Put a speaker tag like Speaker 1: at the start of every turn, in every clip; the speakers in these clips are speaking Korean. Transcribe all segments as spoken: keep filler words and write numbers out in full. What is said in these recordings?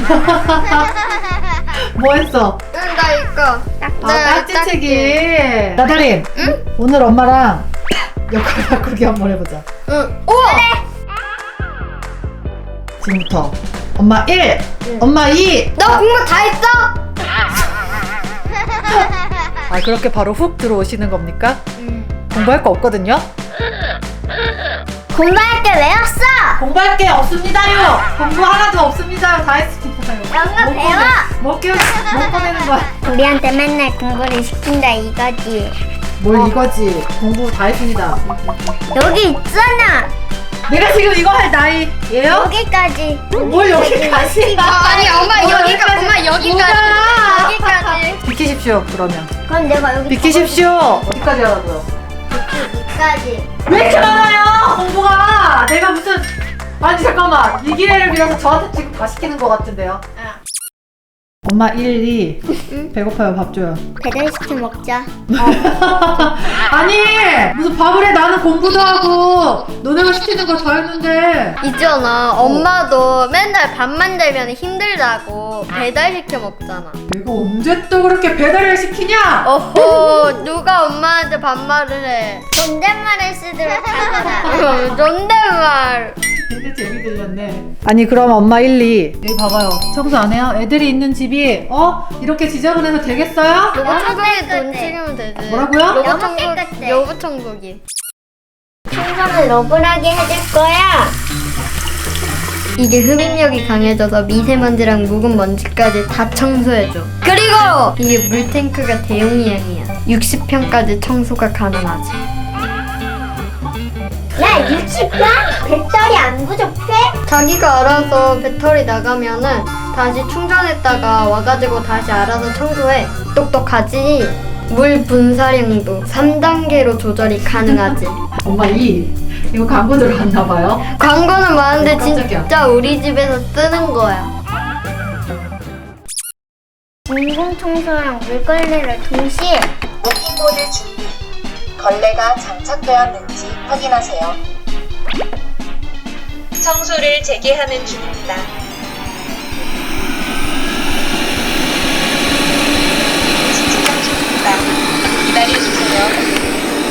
Speaker 1: 뭐 했어?
Speaker 2: 응, 나 이거.
Speaker 1: 아, 딱지치기. 나다린.
Speaker 2: 응?
Speaker 1: 오늘 엄마랑 역할 바꾸기 한번 해보자.
Speaker 2: 응. 우와.
Speaker 1: 지금부터 엄마 일,
Speaker 2: 응.
Speaker 1: 엄마 이.
Speaker 2: 너 공부 다 했어?
Speaker 1: 아, 그렇게 바로 훅 들어오시는 겁니까?
Speaker 2: 응.
Speaker 1: 공부할 거 없거든요?
Speaker 3: 공부할 게 왜 없어?
Speaker 1: 공부할 게 없습니다요. 공부 하나도 없습니다. 다 했습니다요.
Speaker 3: 영어 배워.
Speaker 1: 못 깨, 못 꺼내는 거야.
Speaker 3: 우리한테 맨날 공부를 시킨다 이거지.
Speaker 1: 뭘 이거지? 공부 다 했습니다.
Speaker 3: 여기 있잖아.
Speaker 1: 내가 지금 이거 할 나이예요?
Speaker 3: 여기까지.
Speaker 1: 뭘 여기까지?
Speaker 2: 아니, 엄마
Speaker 1: 뭐
Speaker 2: 여기가, 엄마 여기까지.
Speaker 1: 뭐야?
Speaker 2: 여기까지.
Speaker 1: 비키십시오. 그러면
Speaker 3: 그럼 내가 여기
Speaker 1: 비키십시오. 어디까지 하라고요?
Speaker 3: 여기까지.
Speaker 1: 왜 이렇게 많아요? 공부가 내가 무슨 아니 잠깐만 이 기회를 빌어서 저한테 지금 다 시키는 것 같은데요? 엄마 일, 이 배고파요. 밥 줘요.
Speaker 3: 배달시켜 먹자.
Speaker 1: 아니 무슨 밥을 해. 나는 공부도 하고 너네가 시키는 거 다 했는데.
Speaker 2: 있잖아, 엄마도 맨날 밥 만들면 힘들다고 배달시켜 먹잖아.
Speaker 1: 내가 언제 또 그렇게 배달을 시키냐?
Speaker 2: 어허, 누가 엄마한테 반말을 해.
Speaker 3: 존댓말을 쓰도록 하거라.
Speaker 2: 존댓말.
Speaker 1: 되게 재미 들렸네. 아니 그럼 엄마 일, 이 여기 봐봐요. 청소 안 해요? 애들이 있는 집이 어? 이렇게 지저분해서 되겠어요?
Speaker 2: 로봇 청소기 돈
Speaker 3: 깨끗해.
Speaker 2: 챙기면 되지.
Speaker 1: 뭐라고요?
Speaker 2: 로봇
Speaker 3: 너무
Speaker 2: 청소,
Speaker 3: 깨끗해.
Speaker 2: 로봇 청소기.
Speaker 3: 청소는 러블하게 해줄 거야.
Speaker 2: 이게 흡입력이 강해져서 미세먼지랑 묵은 먼지까지 다 청소해줘. 그리고 이게 물탱크가 대용량이야. 육십 평까지 청소가 가능하지.
Speaker 3: 야, 육십 번? 배터리 안 부족해?
Speaker 2: 자기가 알아서 배터리 나가면은 다시 충전했다가 와가지고 다시 알아서 청소해. 똑똑하지? 물 분사량도 삼 단계로 조절이 가능하지.
Speaker 1: 엄마 이 이거 광고 들어갔나 봐요.
Speaker 2: 광고는 많은데
Speaker 1: 깜짝이야.
Speaker 2: 진짜 우리 집에서 쓰는 거야.
Speaker 3: 인공청소랑 물걸레를 동시에.
Speaker 4: 모핑보드 준비. 걸레가 장착되었는지 확인하세요. 청소를 재개하는 중입니다. 측정 중입니다. 기다려주세요.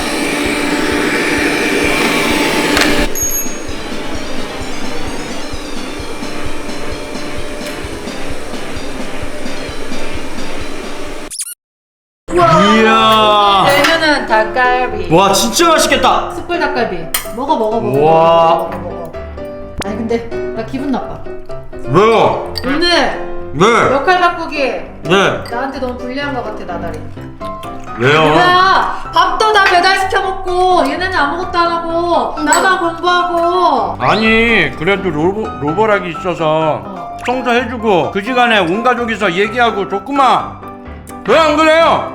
Speaker 5: 이야.
Speaker 1: 메뉴는 닭갈비.
Speaker 5: 와 진짜 맛있겠다.
Speaker 1: 숯불 닭갈비. 먹어 먹어 먹어.
Speaker 5: 우와.
Speaker 1: 먹어, 먹어, 먹어. 아니 근데 나 기분 나빠.
Speaker 5: 왜요?
Speaker 1: 오늘
Speaker 5: 네.
Speaker 1: 역할 바꾸기
Speaker 5: 네.
Speaker 1: 나한테 너무 불리한 것 같아 나다리.
Speaker 5: 왜요?
Speaker 1: 뭐야? 밥도 다 배달시켜 먹고 얘네는 아무것도 안 하고 나만 공부하고.
Speaker 5: 아니 그래도 로보, 로보락이 있어서
Speaker 1: 어.
Speaker 5: 청소해주고 그 시간에 온 가족이서 얘기하고 좋구만. 왜 안 그래요?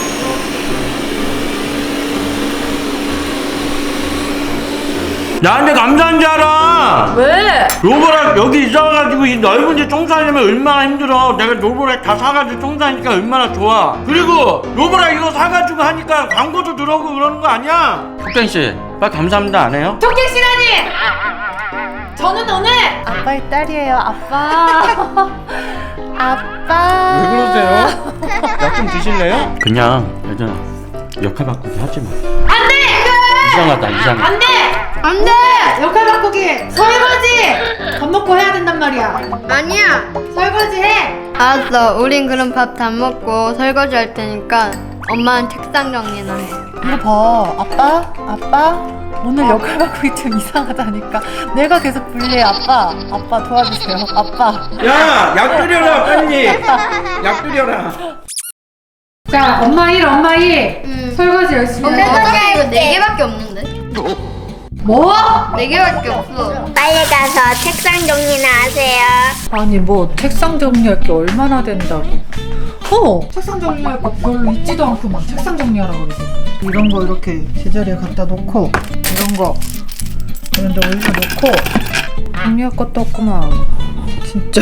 Speaker 5: 나한테 감사한 줄 알아.
Speaker 1: 왜?
Speaker 5: 로보락 여기 이사 와가지고 이 넓은 집 청소하려면 얼마나 힘들어. 내가 로보락 다 사가지고 청소하니까 얼마나 좋아. 그리고 로보락 이거 사가지고 하니까 광고도 들어오고 그러는 거 아니야? 혁정씨 빨리 감사합니다 안 해요?
Speaker 1: 토끼 씨라니! 저는 오늘 아빠의 딸이에요. 아빠. 아빠.
Speaker 5: 왜 그러세요? 약 좀 드실래요? 그냥 예전아 역할 바꾸기 하지 마.
Speaker 1: 안 돼!
Speaker 5: 이상하다 이상해.
Speaker 1: 안 돼! 안 돼! 역할 바꾸기! 설거지! 밥 먹고 해야 된단 말이야.
Speaker 2: 아니야.
Speaker 1: 설거지 해!
Speaker 2: 알았어. 우린 그럼 밥 다 먹고 설거지 할 테니까 엄마는 책상 정리나 해.
Speaker 1: 이거 봐. 아빠? 아빠? 오늘 역할 바꾸기 좀 이상하다니까. 내가 계속 불리해. 아빠. 아빠 도와주세요. 아빠.
Speaker 5: 야! 약 끓여라 빨리. 약 끓여라.
Speaker 1: 자, 엄마 일, 엄마 이.
Speaker 2: 응.
Speaker 1: 설거지 열심히
Speaker 2: 근데
Speaker 1: 해.
Speaker 2: 어차피 이거 네 개밖에 없는데?
Speaker 1: 뭐?
Speaker 2: 네 개밖에 없어.
Speaker 3: 빨리 가서 책상 정리나 하세요.
Speaker 1: 아니 뭐 책상 정리할 게 얼마나 된다고. 어 책상 정리할 거 별로 있지도 않고만 책상 정리하라 그러지. 이런 거 이렇게 제자리에 갖다 놓고 이런 거 이런 데 올려놓고 정리할 것도 없구만 진짜.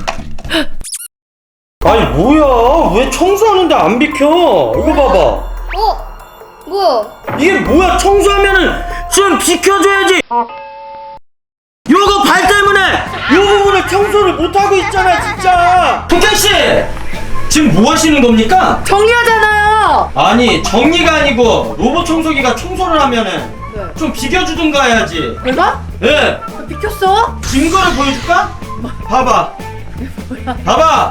Speaker 5: 아니 뭐야 왜 청소하는데 안 비켜. 이거 봐봐.
Speaker 2: 어? 뭐야?
Speaker 5: 이게 뭐야 청소하면은 좀 비켜줘야지. 요거 발 때문에 요 부분을 청소를 못하고 있잖아 진짜. 국장씨 지금 뭐 하시는 겁니까?
Speaker 1: 정리하잖아요.
Speaker 5: 아니 정리가 아니고 로봇 청소기가 청소를 하면은
Speaker 1: 네.
Speaker 5: 좀 비켜주든가 해야지.
Speaker 1: 내가?
Speaker 5: 예.
Speaker 1: 너 비켰어?
Speaker 5: 증거를 보여줄까? 봐봐. 봐봐.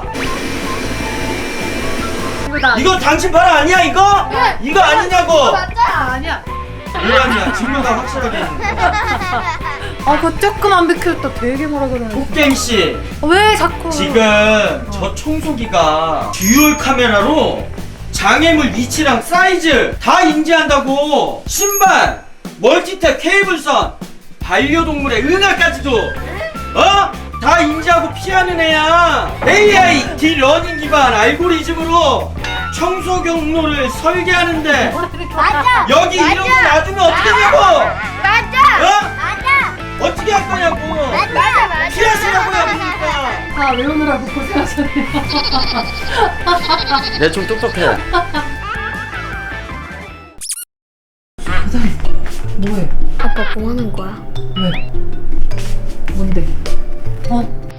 Speaker 1: 이거 나.
Speaker 5: 이거 당신 발 아니야 이거?
Speaker 1: 네.
Speaker 5: 이거 아니냐고.
Speaker 1: 맞아. 아니야.
Speaker 5: 왜 아니야? 증거가 확실하게 있는데.
Speaker 1: 아, 그거 조금 안 비켰다. 되게 뭐라 그러네.
Speaker 5: 폭갱씨
Speaker 1: 왜 자꾸?
Speaker 5: 지금 저 청소기가 듀얼 카메라로 장애물 위치랑 사이즈 다 인지한다고. 신발, 멀티탭 케이블선, 반려동물의 은하까지도 어? 다 인지하고 피하는 애야. 에이아이 딜러닝 기반 알고리즘으로 청소 경로를 설계하는데
Speaker 3: 맞아.
Speaker 5: 여기 이런 거 놔두면 어떻게 되냐고.
Speaker 3: 맞아.
Speaker 5: 어?
Speaker 3: 맞아.
Speaker 5: 어떻게 할 거냐고.
Speaker 3: 맞아. 맞아.
Speaker 5: 피하시라고요 그러니까.
Speaker 1: 다 외우느라고 고생하셨네요.
Speaker 5: 내 좀 똑똑해.
Speaker 1: 뭐해?
Speaker 2: 아빠 뭐 하는 거야?
Speaker 1: 왜? 뭔데? 어?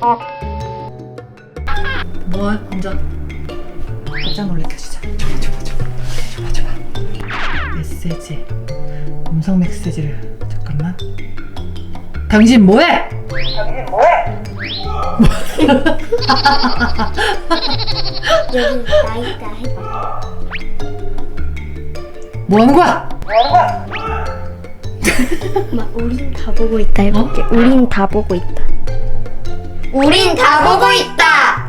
Speaker 1: 뭐해? 앉아. 깜짝 놀래켜주자. 줘봐, 줘봐, 줘봐. 줘봐, 줘봐. 메시지. 음성 메시지를. 잠깐만. 당신 뭐해? 당신 뭐해?
Speaker 3: 여기 나 있다 해봐.
Speaker 1: 뭐 하는 거야?
Speaker 2: 엄마, 우린 다 보고 있다 해볼게. 우린 다 보고 있다. 우린 다 보고 있다.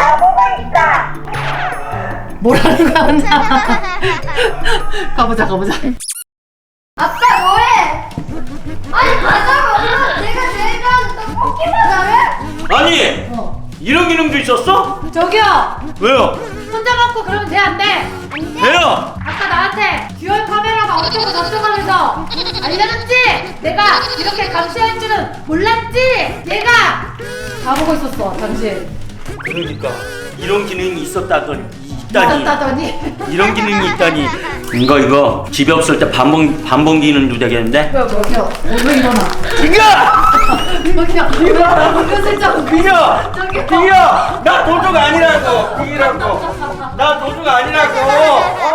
Speaker 1: 뭐라는 거야? 앉아. 가보자, 가보자.
Speaker 2: 아빠 뭐해? 아니 가자고. 내가 제일 좋아하는 떡볶이 바다를.
Speaker 5: 아니
Speaker 1: 어.
Speaker 5: 이런 기능도 있었어?
Speaker 1: 저기요!
Speaker 5: 왜요?
Speaker 1: 손잡 잡고 그러면 돼, 안 돼?
Speaker 5: 왜요?
Speaker 1: 아까 나한테 듀얼 카메라가 어쩌고 저쩌고 하면서 알려줬지? 내가 이렇게 감시할 줄은 몰랐지? 얘가 다 보고 있었어, 당신.
Speaker 5: 그러니까 이런 기능이 있었다더니 있다니.
Speaker 1: 있었다더니.
Speaker 5: 이런 기능이 있다니. 이거 이거 집에 없을 때 반봉 반봉 기능도 되겠는데?
Speaker 1: 뭐야, 뭐야. 왜 일어나?
Speaker 5: 빙야!
Speaker 1: 뭐냐, 일어나. 은근슬쩍.
Speaker 5: 빙야!
Speaker 1: 저기요.
Speaker 5: 빙야! 나 도둑 아니라고. 빙이라고. 나 도둑 아니라고. 어?